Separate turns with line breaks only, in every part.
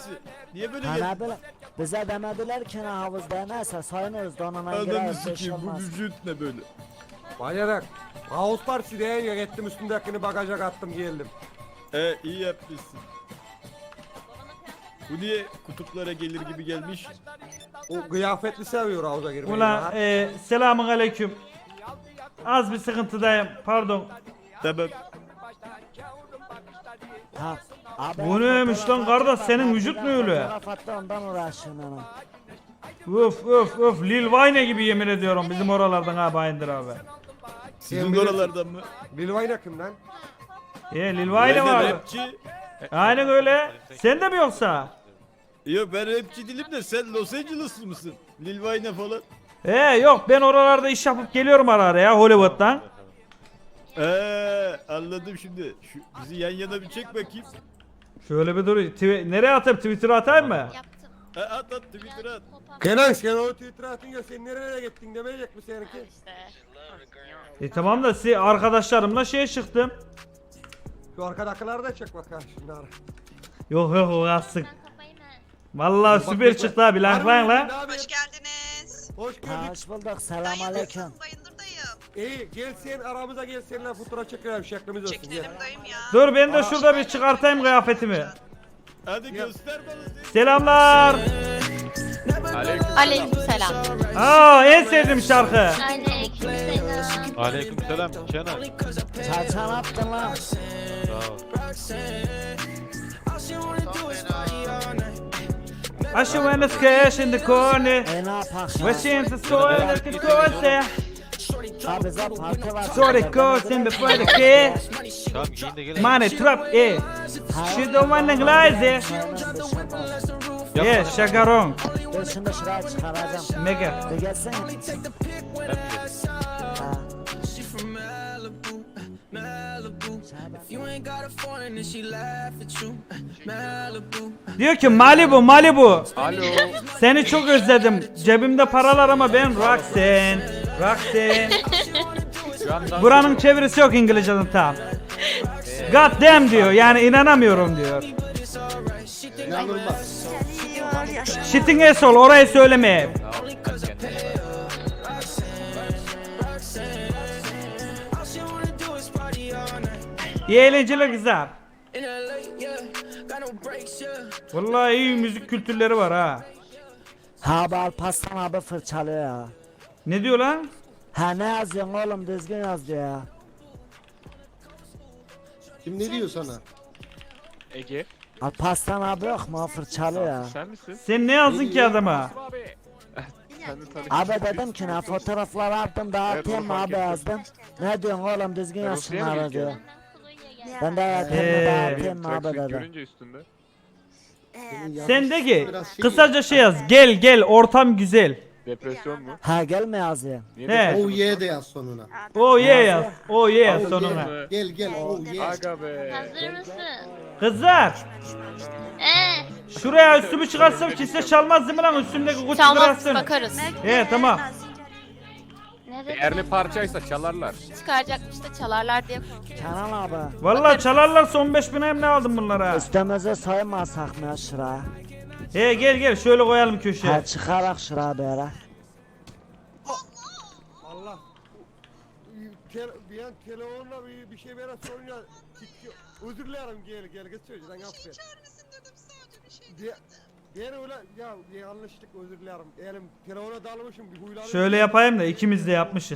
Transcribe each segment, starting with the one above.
abisi? Niye böyle
Ha
geldin?
ne bileyim. Bize demediler ki ne havuzda neyse soyunuruz donuna
Ananı
gireriz bir şey
sikeyim bu
olmaz.
vücut ne böyle?
Bayarak. Havuz partisiye gittim üstündekini bagaja kattım geldim.
İyi yapmışsın. Bu niye kutuplara gelir gibi gelmiş?
O kıyafetli seviyor havuza girmeyi.
Ulan selamun aleyküm. Az bir sıkıntıdayım pardon.
Tamam.
Ha, abi,
Bu neymiş lan kardeş, senin vücut ne öyle?
Fotoğraf attı ondan uğraşıyorum hemen.
Öf Lil Wayne gibi yemin ediyorum bizim oralardan ha Bayındır abi.
Sizin oralardan mı?
Lil Wayne kim lan?
Lil Wayne
Ben de
vardı.
rapçi.
Aynen öyle. Sen de mi yoksa?
Yok ben rapçi değilim de sen Los Angeles'lı mısın? Lil Wayne falan.
Yok ben oralarda iş yapıp geliyorum ara ara ya Hollywood'dan.
Anladım şimdi. Bizi yan yana bir çek bakayım.
Şöyle bir dur. Nereye atayım? Twitter'a atayım mı?
Yaptım.
At Twitter'a at.
Kenan sen o Twitter atın ya sen nereye gittin demeyecek mi seninki?
İşte.
Tamam da siz arkadaşlarımla şeye çıktım.
Şu arkadakileri da çek bakalım şimdi ara.
Yok o kalsın.
Ben kafayı mı?
Vallahi süper çıktı abi lanklayın la.
Hoş geldiniz.
Hoş
Ha,
gördük.
hoş bulduk selam aleyküm.
Bayındır dayım.
İyi gel sen aramıza gel seninle fotoğraf çekelim şeklimiz olsun. Gel.
Çekinelim dayım ya.
Dur ben de şurada bir çıkartayım kıyafetimi.
Hadi göster bana.
Selamlar.
Aleykümselam.
En sevdiğim şarkı.
Aleykümselam.
Aleykümselam Kenan.
Çarçan attın lan.
Sağ ol.
I should win this cash in the corner.
Ne yapak
Wishing the soil that could cause
Ha bize parti var.
Sorry cousin before the kid.
Tamam giyin de gel.
Money trap She don't want to glaze şakarong.
Dur şimdi şuraya çıkaracağım.
Mega.
Bir gelsene.
Ben mi geleyim?
Ha.
Diyor ki Malibu.
Alo.
Seni çok özledim. Cebimde paralar ama ben Roxanne.
Şu an
Buranın çevirisi yok İngilizce'den tam. God damn diyor. Yani inanamıyorum diyor. Shitting asshole orayı söyleme. İyi eğlenceler kızlar. Vallahi iyi müzik kültürleri var ha.
Ha bu Alparslan abi fırçalıyor ya.
Ne diyor lan?
Ha ne yazıyorsun oğlum düzgün yaz diyor ya.
Kim ne diyor sana?
Ege.
Alparslan abi yok mu o fırçalıyor ya.
Sen misin?
Sen ne yazdın ki adama?
Sen de tanı.
Abi dedim ki ne fotoğrafları attım dağıtayım mı
onu
abi
fark
yazdım. Ne diyorsun oğlum düzgün yaz
Rusya'ya mı
şunları
gidiyor?
diyor. Ben de yapayım mı dağıtayım mı abi
Tracksuit
dedim.
görünce üstünde.
Sen de ki
Biraz şey
kısaca şey yaz. Gel ortam güzel.
Depresyon mu?
Ha gelme yazıyor.
Niye
He.
depresyon?
Oh yeah de yaz sonuna.
Oh yeah yaz. Oh yeah
Oh
sonuna.
yeah. Gel oh yeah.
Aga be.
Hazır mısın?
Kızlar şuraya üstümü çıkarsam kimse çalmaz değil mi lan üstümdeki kutu
Çalmaz
bıraksın.
bakarız.
Tamam.
Ne dedi?
Değerli parçaysa çalarlar.
Çıkaracakmış da çalarlar diye.
Kenan abi.
Vallahi çalarlarsa 15 bin hem ne aldım bunlara.
Üstümüze soymasak mı ya şuraya?
Gel şöyle koyalım köşeye.
Ha çıkarak şuraya böyle.
Allah. Bir an telefonla bir şey bana sorunca özür dilerim gel geç söyleyeceğim affet. Diğer öyle ya yanlışlık özür dilerim. Elim telefona dalmışım bir huylandım.
Şöyle yapayım da ikimiz de yapmışız.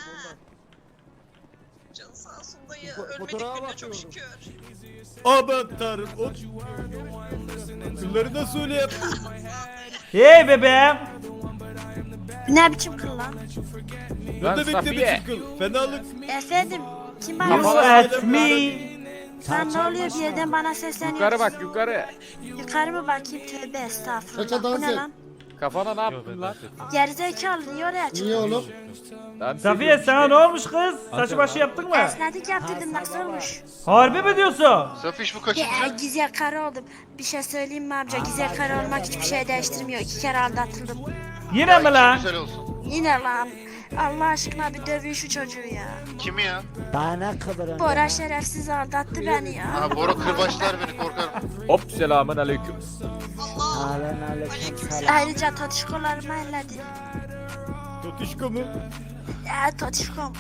Canı sağ olsun dayı.
Fotoğrafa
Ölmedik günde çok
bakıyordum.
şükür.
Aman tanrım. Kılları nasıl öyle yaptın?
Hey bebeğim.
Ne biçim kıl lan?
Ne
Lan
demek ne
Safiye.
biçim kıl? Fenalık.
Efendim, kim
You
bana
ask me.
Sen ne oluyor bir yerden bana sesleniyorsun?
Yukarı bak yukarı.
Yukarı mı bakayım? Tövbe estağfurullah.
Saça dans
Bu ne
et.
lan?
Kafana ne yaptın lan?
Gerizekalı niye oraya çıktın?
Niye oğlum?
Safiye sana ne olmuş kız? Saçı başı yaptın mı?
Esnedik yaptırdım nasıl olmuş?
Harbi mi diyorsun?
Safiş bu
Ya güzel karı oldum. Bir şey söyleyeyim mi amca? Güzel karı olmak hiçbir şey değiştirmiyor. 2 kere aldatıldım.
Yine mi lan?
Yine lan. Allah aşkına bir dövün şu çocuğu ya.
Kimi ya?
Daha ne kıvırın?
Bora şerefsiz aldattı beni ya.
Ha Bora kırbaçlar beni korkarım.
Hop selamun aleyküm.
Aleyküm selam.
Ayrıca totişkolarımı elledin.
Totişko mu?
Ya totişkom.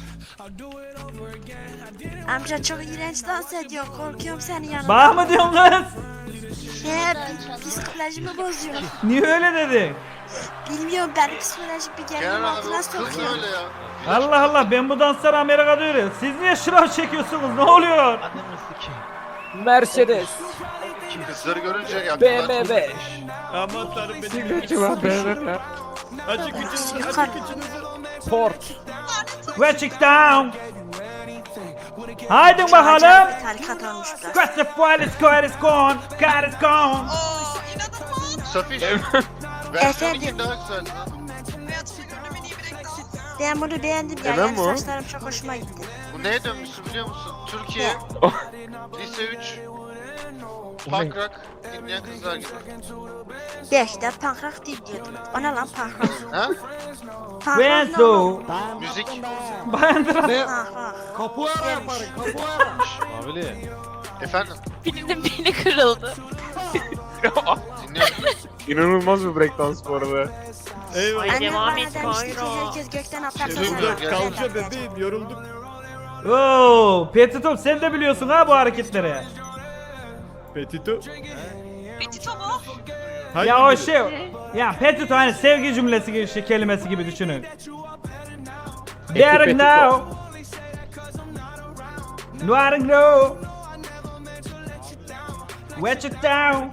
Amca çok iğrenç dans ediyor. Korkuyorum senin yanında.
Bana mı diyorsun kız?
He, psikolojimi bozuyor.
Niye öyle dedin?
Bilmiyorum benim psikolojik bir gerilim altına sokuyor.
Allah Allah, ben bu dansları Amerika'da öğreniyorum. Siz niye şınav çekiyorsunuz? Ne oluyor?
Mercedes.
Kızları görünce ya.
BMW.
Aman tanrım benim.
Sigortu var BMW.
Açık içinizi,
Yukarı.
açık içinizi.
Ford.
Watch it down. Haydi
Acayip
bakalım.
bir tarikat olmuş burası.
Cross the fire, it's gone, it's gone. God is gone.
Oo inanılmaz.
Safiş.
Efendim?
Versiyonu daha güzel.
Hayatımda gördüğüm en iyi breakdance.
Ben bunu beğendim ya.
Neden
Yani
bu?
saçlarım çok hoşuma gitti.
Bu neye dönmüşsün biliyor musun? Türkiye. Lise 3. Punk rock dinleyen kızlar gibi.
Belki de punk rock dinliyordum. O ne lan punk rock?
Ha?
Punk rock ne oğlum?
Benzo.
Ben
Müzik.
Bandıra.
Ne?
Punk rock.
Kapuara yaparım kapuara.
Efendim?
Birinin beyni kırıldı.
Dinliyorum.
İnanılmaz bir breakdance bu arada.
Eyvallah.
Annem
devam
bana
et,
demişti ki
Kayra.
herkes gökten atlarsa
Dur,
sen
dur,
atlayacaksın.
Kalça bebeğim yorulduk.
Oo, Petitop sen de biliyorsun ha bu hareketleri.
Petito.
Petito mu?
Hangi
Ya o
biri?
şey, ya Petito hani sevgi cümlesi gibi, şey, kelimesi gibi düşünün. Daring now. Daring now. Watch it down.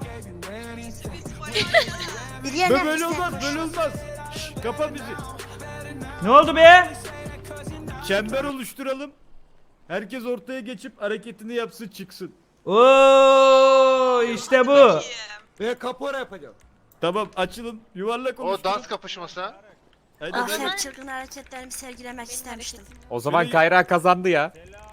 Biliyor musun?
Böyle olmaz, böyle olmaz. Şşş, kapa bizi.
Ne oldu be?
Çember oluşturalım. Herkes ortaya geçip hareketini yapsın çıksın.
Oo, işte bu.
Ben kapuara yapacağım.
Tamam açılın. Yuvarlak
O
oluşturun.
dans kapışması ha.
Haydi
Ah
hadi.
hep çılgın hareketlerimi sergilemek istemiştim.
O zaman Kayra kazandı ya.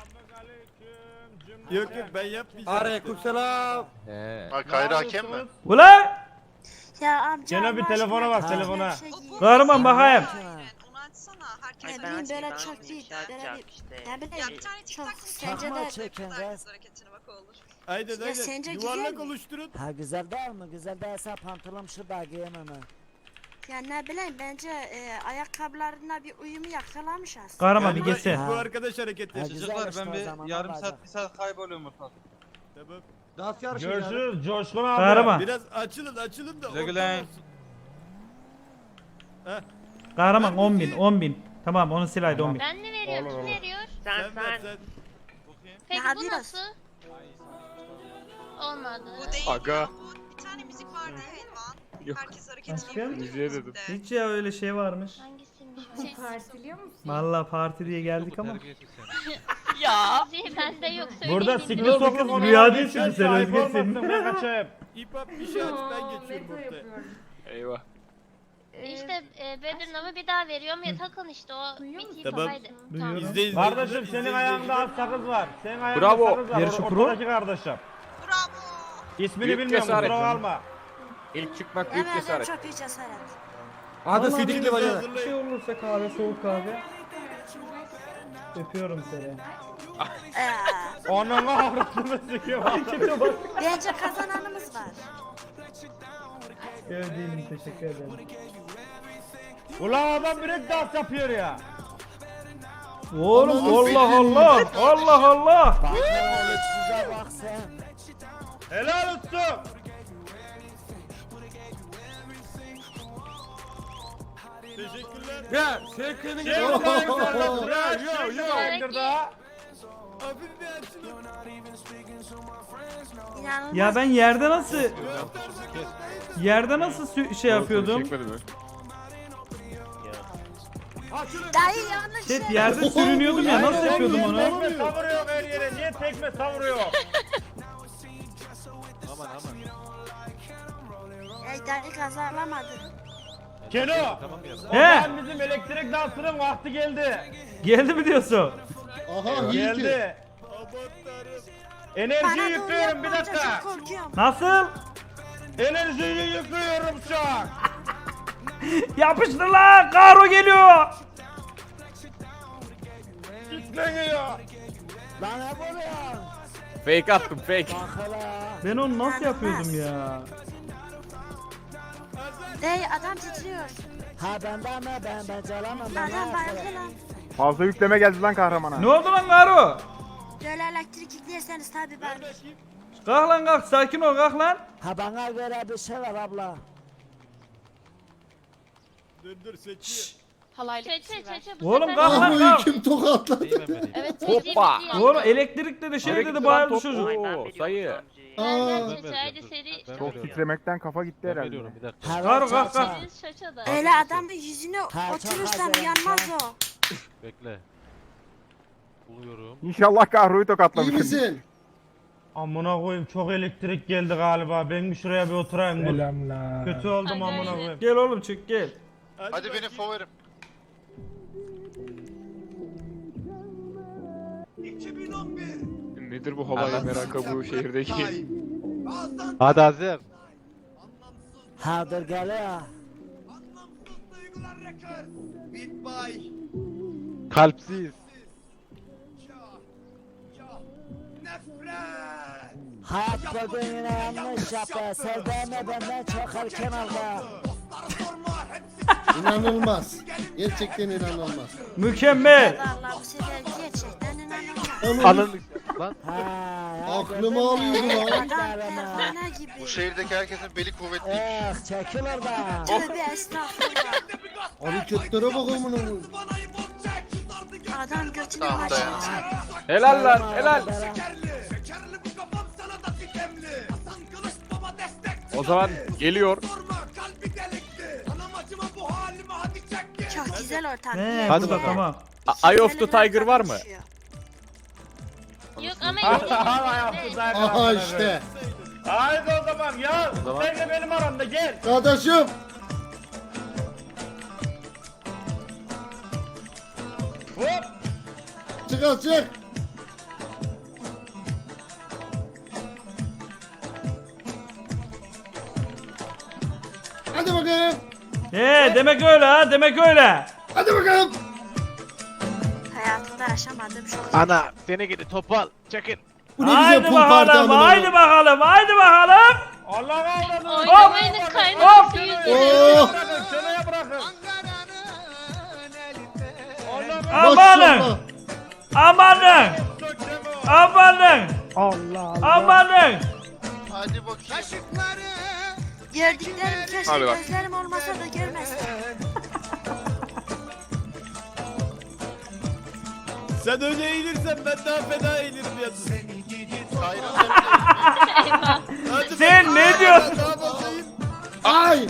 Yok yok ben yapmayacağım.
Aleykümselam.
Ha, Kayra hakem mi?
Ula!
Ya amca
Gene bir
Allah
telefona
aşkına
bak,
bir
telefona.
şey giyin.
Kahraman bakayım.
Aynen onu açsana. Herkes
Ne bileyim böyle çok değil. Böyle bir ne
Ya
bileyim
bir tane
çok
TikTok
sence
Takma
de
çeken
kızlar
kız.
hareketine bak olur.
Aynen aynen.
sence güzel
Yuvarlak
mi?
oluşturun.
Ha güzel değil mi? Güzel değilse pantolon şu da giyemem ha.
ya ne bileyim bence ayakkabılarına bir uyumu yakalamış aslında.
Kahraman bir
bu-
geçsene.
Bu arkadaş hareket
Ha
yapacak.
güzel işte o zaman. Yarım saat.
Tamam.
Dans yarışı yani.
Coşkun abi.
Kahraman.
Biraz açılın da.
Güle güle.
ortam olsun. Heh,
Kahraman 10.000. Tamam onu sil haydi 10.000.
Ben ne veriyorum? Kim veriyor?
sen ver sen.
Peki
Ya
bu
biraz.
nasıl? Olmadı.
Bu değil
Aga.
ya. Bu bir tane müzik vardı ya Elvan.
Yok.
Herkes hareketini
Aşkım?
yapıyor.
Müziğe dedim.
müzikte.
Hiç ya öyle şey varmış.
Hangisiymiş o?
Partiliyor musun?
Vallahi parti diye geldik ama.
Ya. Bende yok söyleyin.
Burada
dedim.
sikli sokak ona.
Rüya değilsin sen özgürsin.
Ben kaçayım.
İp hop bir şey aç ben geçiyorum
Veto
ortaya.
yapıyorum.
Eyvah.
İşte Bedirnam'ı bir daha veriyorum ya takın işte o
Duyuyor
biteyim
Tamam.
haydi.
Duyuyorum.
İzle izle.
Kardeşim senin ayağında az sakız var. Senin ayağında
Bravo.
sakız var.
Yarışı pro.
Ortadaki kardeşim.
Bravo.
İsmini
Büyük
bilmiyorum
cesaret.
kusura alma.
İlk çıkmak büyük
Evet
cesaret.
çok büyük cesaret.
Hadi
Vallahi
sidikli
Birinizi
bacana.
Bir şey
hazırlayın.
olursa kahve, soğuk kahve. Öpüyorum seni.
Onun avratını sikiyor.
Bence kazananımız var.
Sevdiğim teşekkür ederim.
Ulan adam break dans yapıyor ya.
Oğlum Allah Allah. Allah Allah.
Bak hele size bak sen.
Helal olsun. Teşekkürler.
Ya sen kendin
Şey
gel.
yok, hayır,
Yo
hayır,
yo yo.
Peki.
daha.
Hafif bir açılın.
İnanılmaz.
Ya ben yerde nasıl şey yapıyordum?
Çekmedi mi?
Dayı yanlış
Şey
şey.
yerde sürünüyordum ya nasıl yapıyordum onu?
Tekme savuruyor her yere. Niye tekme savuruyor?
Ey dayı kazanamadı.
Keno.
He.
He. Bizim elektrik dansının vakti geldi.
Geldi mi diyorsun?
Aha iyi ki.
Geldi.
Aman tanrım.
Enerjiyi
Bana doğru
yüklüyorum bir
yapmayınca
dakika.
çok korkuyorum.
Nasıl?
Enerjiyi yüklüyorum şu an.
Yapıştır lan! Karo geliyor!
Yükleniyor. Lan ne vuruyorsun?
Fake attım fake.
Bak hele.
Ben onu nasıl yapıyordum ya?
Adam titriyor.
Ha bende mi ben calamam ben.
Adam bayıldı lan.
Fazla yükleme geldi lan kahramana.
Ne oldu lan Garo?
Böyle elektrik yüklerseniz tabi ben.
Kalk lan kalk sakin ol kalk lan.
Ha bana göre bir şey var abla.
Dur seçiyor.
Çeçe
Oğlum kalk lan
Ahmo'yu
kalk.
kim tokatladı?
Evet
Hoppa.
Oğlum elektrik dedi şey dedi bayıldı çocuk.
Oo, sayı.
Aa,
Çeçe haydi seri.
Çok titremekten kafa gitti herhalde.
Ha
Karo,
ben
kalk, kalk.
çaça.
Biz şaşada.
Öyle adamın yüzüne oturursam yanmaz o.
Bekle. Buluyorum.
İnşallah kahroyu
iyi
tokatlamışsın.
misin?
Amına koyayım çok elektrik geldi galiba. Ben bir şuraya bir oturayım. Selamlar. Kötü oldum
Hadi,
amına
hadi.
koyayım. Gel oğlum çık gel.
Hadi benim favorim.
Nedir bu halay merakı bu şehirdeki?
Hadi hazır.
Ha dur geliyor.
Kalpsiz.
Hayat bugün yine yanlış yaptı. Sevdiğime benden çok erken aldı.
İnanılmaz. Gerçekten inanılmaz.
Mükemmel.
Vallahi bu sefer gerçekten inanılmaz.
Onun
Anın lan.
Ha,
aklımı alıyordu lan.
Adam pervane gibi.
Bu şehirdeki herkesin beli kuvvetliymiş.
Çekil oradan.
Tövbe estağfurullah.
Hareketlere bak amına koyayım.
Adam götünü
Tamam,
başına
dayan.
çek.
Helal lan helal. O zaman geliyor.
Çok güzel ortam.
He,
Hadi
burada
bakalım.
tamam.
Eye of the Tiger var mı?
Yok ama
Aha işte.
Haydi o zaman ya. Sen de benim aramda gel.
Kardeşim.
Hop.
Çık çık. Hadi bakalım.
Demek öyle ha demek öyle.
Hadi bakalım.
Hayatımda yaşamadığım şey.
Ana seni gidi topal. Çekin.
Bu ne güzel
Haydi
pul parti
bakalım
amına
haydi
koyayım.
bakalım haydi bakalım. Allah'a avradım.
oynamayınız kaynaması yüzüne.
Oh.
Şuraya bırakın.
Maşallah.
Amanın. Amanın. Amanın.
Hadi bakayım.
Gördüklerim keşke
Hadi bak.
gözlerim olmasa da görmesem.
Sen öyle eğilirsen ben daha fena eğilirim yalnız.
Eyvah.
Hadi
Sen
bak.
ne diyorsun?
Daha basayım.
Ay.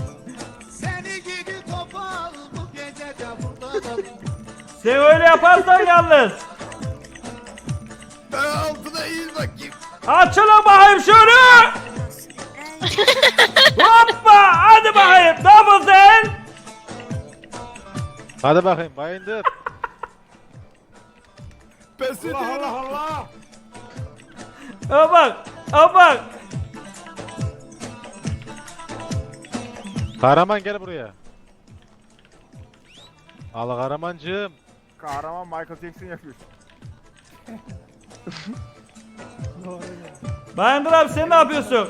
Sen öyle yaparsan yalnız.
Ben altına eğil bakayım.
Açılın bakayım şunu. Hoppa hadi bakayım. Double sen.
Hadi bakayım bayındır.
Pes ediyorum.
Allah. Ha bak. Ha bak.
Kahraman gel buraya. Al Kahramancığım.
Kahraman Michael Jackson yapıyor.
Bayandır abi sen ne yapıyorsun?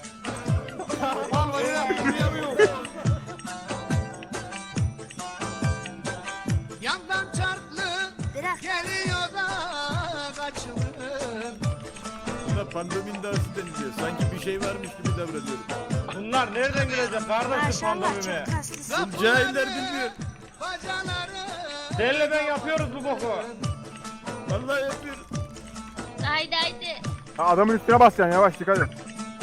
Buna pandomin dansı deniliyor. Sanki bir şey varmış gibi davranıyorum.
Bunlar nereden gelecek kardeşim
Maşallah
pandemime?
çok kaslısın.
Cahiller bilmiyor.
Senle ben yapıyoruz bu boku.
Vallahi yapıyorum.
Haydi haydi.
Adamın üstüne basacaksın yavaş dikkat et.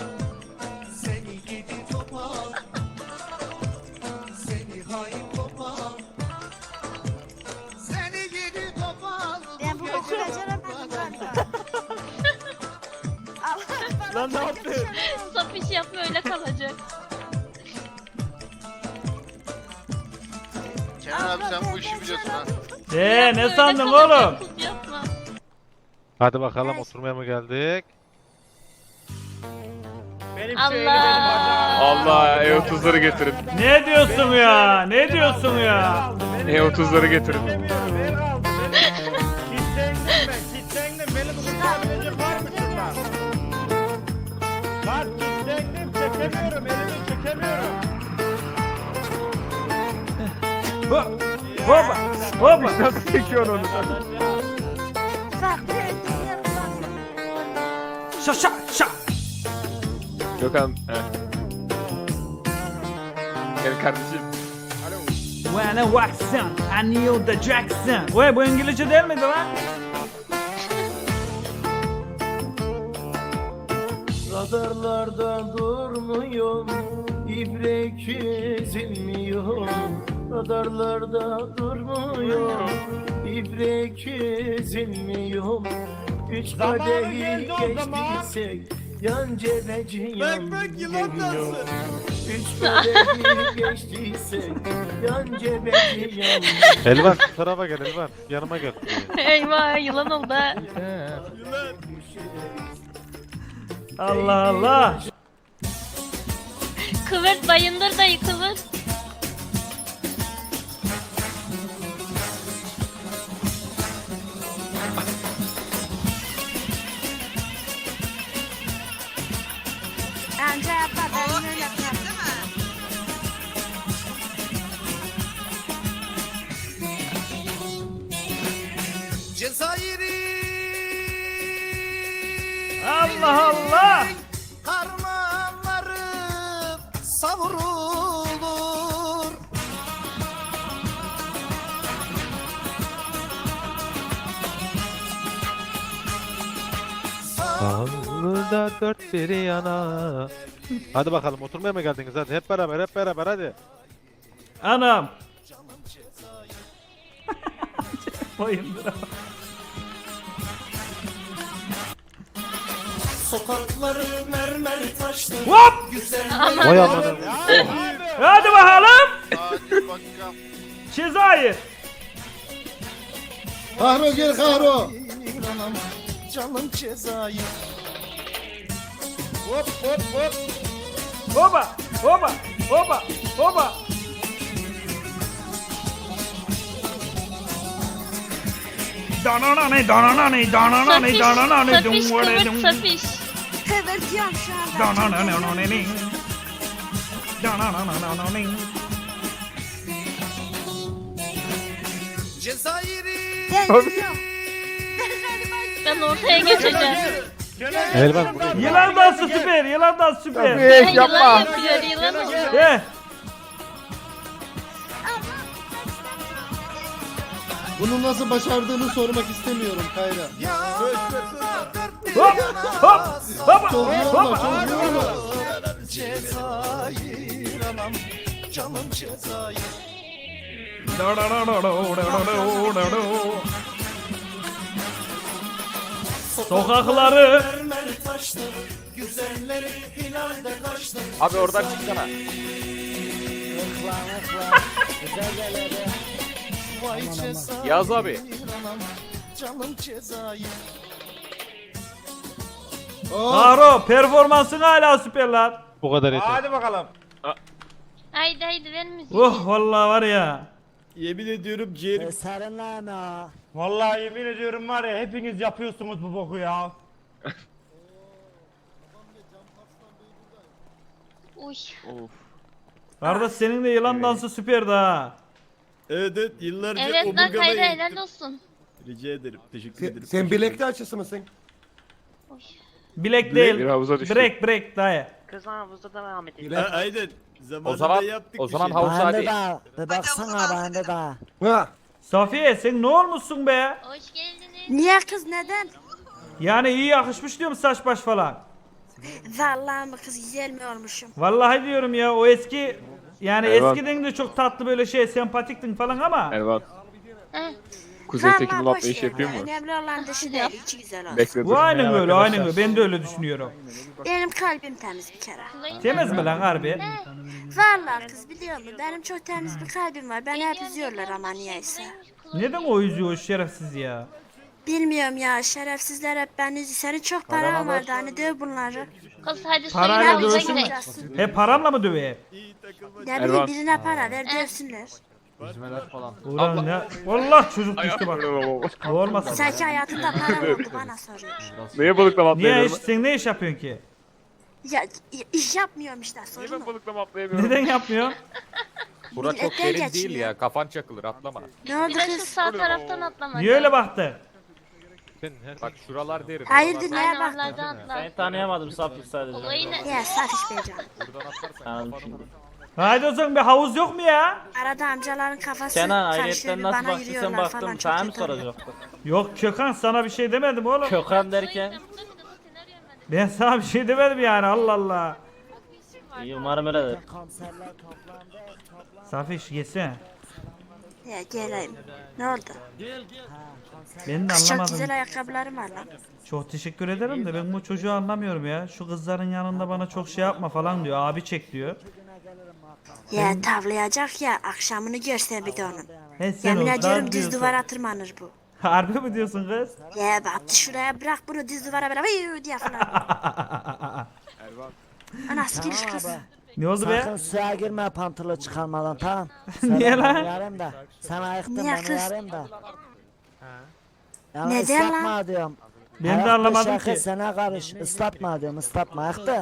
Ben bu boku beceremedim galiba. Allah
Lan ne yaptın?
Sap iş yapma öyle kalacak.
Kenan abi sen bu işi biliyorsun ha.
Ne
Öyle
sandın
kalacak,
oğlum?
tut yapma.
Hadi bakalım oturmaya mı geldik?
Allah.
Allah E30'ları getirin.
Ne diyorsun ya? Ne diyorsun ya?
E30'ları getirin.
Kitlendim ben, kitlendim. Beni bu kurtarabilecek var mı şundan? Bak kitlendim, çekemiyorum, elimi çekemiyorum. Hop. Hopa. Hopa.
Nasıl çekiyorsun onu?
Bak
Şa şa şa.
Gökhan. Gel kardeşim.
When I walked in, I knew the Jackson. Vay bu İngilizce değil miydi lan?
Radarlarda durmuyor, ibrek ezilmiyor. Radarlarda durmuyor, ibrek ezilmiyor. Üç kadehi geçtiysek, yan cebeci yan
Bak yılan
geliyor.
dansı.
Üç kadehi geçtiysek, yan cebeci yan
Elvan şu tarafa gel Elvan. Yanıma gel.
Eyvah yılan oldu ha.
Yılan.
Allah Allah.
Kıvırt bayındır dayı kıvırt.
Anca yapma ben öyle yapmam.
Değil mi?
Allah Allah.
Harmanları savrulur.
Sağda dört bir yana. Hadi bakalım oturmaya mı geldiniz hadi hep beraber hadi.
Anam. Bayındır.
Sokakları mermer taşlı.
Hop.
Vay amanın.
Hadi bakalım.
Hadi bakalım.
Cezayir.
Kahro gel Kahro.
Canım Cezayir.
Hop hop hop. Hopa. Hopa. Hopa. Hopa. Dananane dananane dananane dananane
Safiş kıvırt safiş.
Kıvırtıyorum şu anda.
dananane dananane.
Deniyorum.
Ben ortaya geçeceğim.
Elvan buraya.
Yılan dansı süper. Yılan dansı süper.
Safiye
Yılan
yapma.
yapıyor yılan oldu.
He.
Bunu nasıl başardığını sormak istemiyorum Kayra.
Hop hop hop
Çok iyi
hop.
olma, çok iyi olma.
Cezayir anam. Canım Cezayir.
Sokakları
Mermer taşlı. Güzelleri hilalde kaçtı.
Abi oradan çıksana.
Vay Cezayir
Yaz abi.
anam. Canım Cezayir.
Karo performansın hala süper lan.
Bu kadar yeter.
Haydi haydi ver müziği.
Oh vallahi var ya.
Yemin ediyorum ciğerim.
Sarılama.
Vallahi yemin ediyorum var ya hepiniz yapıyorsunuz bu boku ya.
Uy.
Of.
Kardeş senin de yılan dansı süperdi ha.
Evet yıllarca
Evet lan
omurgama
Kayra
eğittim.
helal olsun.
Rica ederim. Teşekkür ederim.
Sen bilekli açısı mısın?
Uy.
Bilek değil.
Bir havuza düştü.
Break dayı.
Kızlar havuzda devam edelim.
Ha, aynen. Zamanında
O zaman-
yaptık
o
bir
zaman
şey.
havuz-
Bende
hadi.
daha. Bir baksana bende daha.
Ha.
Safiye sen ne olmuşsun be?
Hoş geldiniz.
Niye kız neden?
Yani iyi yakışmış diyorum saç baş falan.
Vallahi mı kız güzel mi olmuşum?
Vallahi diyorum ya o eski yani
Eyvah.
eskiden de çok tatlı böyle şey sempatiktin falan ama.
Elvan.
Heh.
Kuzey
Vallahi
Tekin
boş
Ulan iş
ver.
yapıyor mu?
Önemli olan dışı değil, içi güzel olsun.
Bekle dur.
Bu aynen öyle aynen öyle ben de öyle düşünüyorum.
Benim kalbim temiz bir kere.
Temiz mi lan harbi?
Vallahi kız biliyor musun? Benim çok temiz bir kalbim var. Beni hep üzüyorlar ama niyeyse.
Neden o üzüyor o şerefsiz ya?
Bilmiyorum ya şerefsizler hep beni üzüyor. Senin çok paran vardı hani döv bunları.
Kız hadi
Parayla
soyun havuza
dövsün mü?
gidelim.
He paramla mı döveyim?
İyi takılma.
Ne bileyim
Ervan.
birine para ver dövsünler.
Ulan ya. Vallahi çocuk düştü bak. Olmasın.
Sanki hayatında para oldu bana soruyor.
Neye balıklama
Niye
atlayamıyorum?
iş, sen ne iş yapıyorsun ki?
Ya iş yapmıyorum işte
Niye
sorun
ben
o.
balıklama atlayamıyorum?
Neden yapmıyorsun?
Bura çok
Milletten
derin değil
geçmiyor.
ya. Kafan çakılır atlama.
Ne oldu
Bir de şu
kız?
sağ taraftan atlamak.
Niye öyle baktı?
Bak şuralar derin.
Hayırdır
oralar-
neye baktın?
Aynen atla.
Seni tanıyamadım Safik sadece.
Olayı ne?
Ya Safiş Beycan.
Buradan atlarsan
Anladım
kafanı
şimdi.
vurur.
Haydi o zaman bir havuz yok mu ya?
Arada amcaların kafası
Kenan
karışıyor,
ayrıyetten
bir
nasıl
bana
baktıysan
yürüyorlar falan,
baktım.
çok
Sana mı
kötü oluyor.
soracaktım?
Yok Kökan sana bir şey demedim oğlum.
Kökan derken.
Ben sana bir şey demedim yani Allah Allah.
İyi umarım öyledir.
Komiserler toplandı.
Safiş geçsene.
Ya geleyim. Ne oldu?
Ben de
Kız çok
anlamadım.
güzel ayakkabılarım var lan.
Çok teşekkür ederim de ben bu çocuğu anlamıyorum ya. Şu kızların yanında bana çok şey yapma falan diyor. Abi çek diyor.
Ya tavlayacak ya, akşamını görsen bir de onun.
He sen
Yemin
o
ediyorum
dar
düz
diyorsun.
duvara tırmanır bu.
Harbi mi diyorsun kız?
Ya bak şuraya bırak bunu, düz duvara böyle vıyuu diye falan. Anası giriş kız.
Ne oldu
Sakın
be?
suya girme pantolon çıkarmadan, tamam.
Niye
Sen
lan?
beni uyarayım da. Sen ayıktın,
Niye
ben
kız?
uyarayım da. Yani
Neden lan?
ıslatma diyorum.
Ben de
Ayakta
anlamadım
şaka
ki.
Sana karış, ıslatma diyorum, ıslatma ayakta.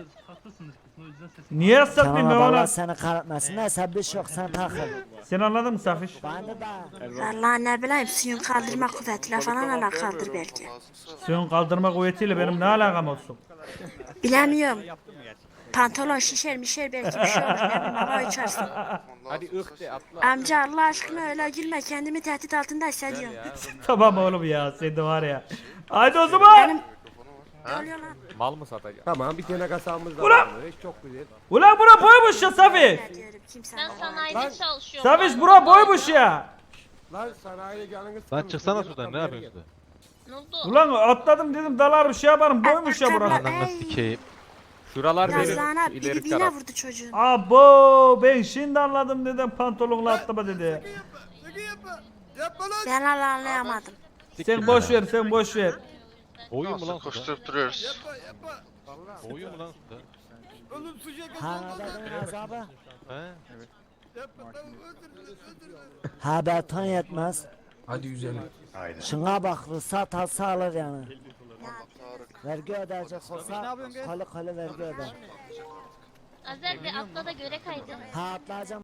Niye ıslatmayayım ben
Tamam Allah
ona?
seni kahretmesin. Neyse bir şey yok, sen takıl.
Sen anladın mı Safiş?
Ben de
Vallahi ne bileyim, suyun kaldırma kuvvetiyle falan alakalıdır belki.
Suyun kaldırma kuvvetiyle benim ne alakam olsun?
Bilemiyorum. Pantolon şişer mişer belki bir şey olur, ne bileyim, hava uçarsın.
Hadi ıh de atla.
Amca Allah aşkına öyle gülme, kendimi tehdit altında hissediyorum.
Tamam oğlum ya sen de var ya. Haydi o zaman.
Ne oluyor lan?
Mal mı satacaksın?
Tamam bir tane kasamız da
Ulan!
var. Çok güzel.
Ulan bura boymuş ya Safiş.
Ne diyorum, kimse
Ben
anlamaz.
sanayide çalışıyorum.
Safiş bura boymuş ya.
Lan sanayiye canını
Lan çıksana sudan ne yapıyorsun?
Ne oldu?
Ulan atladım dedim dalarım şey yaparım boymuş ya bura.
Ayakkabılar, ey,
Sikeyim.
Şuralar derin.
Yazlığına biri
İleri
birine
taraf.
vurdu çocuğun.
Abo ben şimdi anladım neden pantolonla atlama dedi.
Yapma lan.
Ben hala anlayamadım.
Sen boş ver sen boş ver.
Oyun mu lan suda?
Koşturup duruyoruz.
Oyun mu lan suda?
Oğlum suya
Hanada'nın azabı.
He?
Yapma tamam özür dilerim.
Ha beton yetmez.
Hadi güzelim.
Şuna bak, ruhsat alsa alır yani. Vergi ödeyecek olsa kolu vergi öder.
Azer bir atla da göre kaydı.
Ha atlayacağım.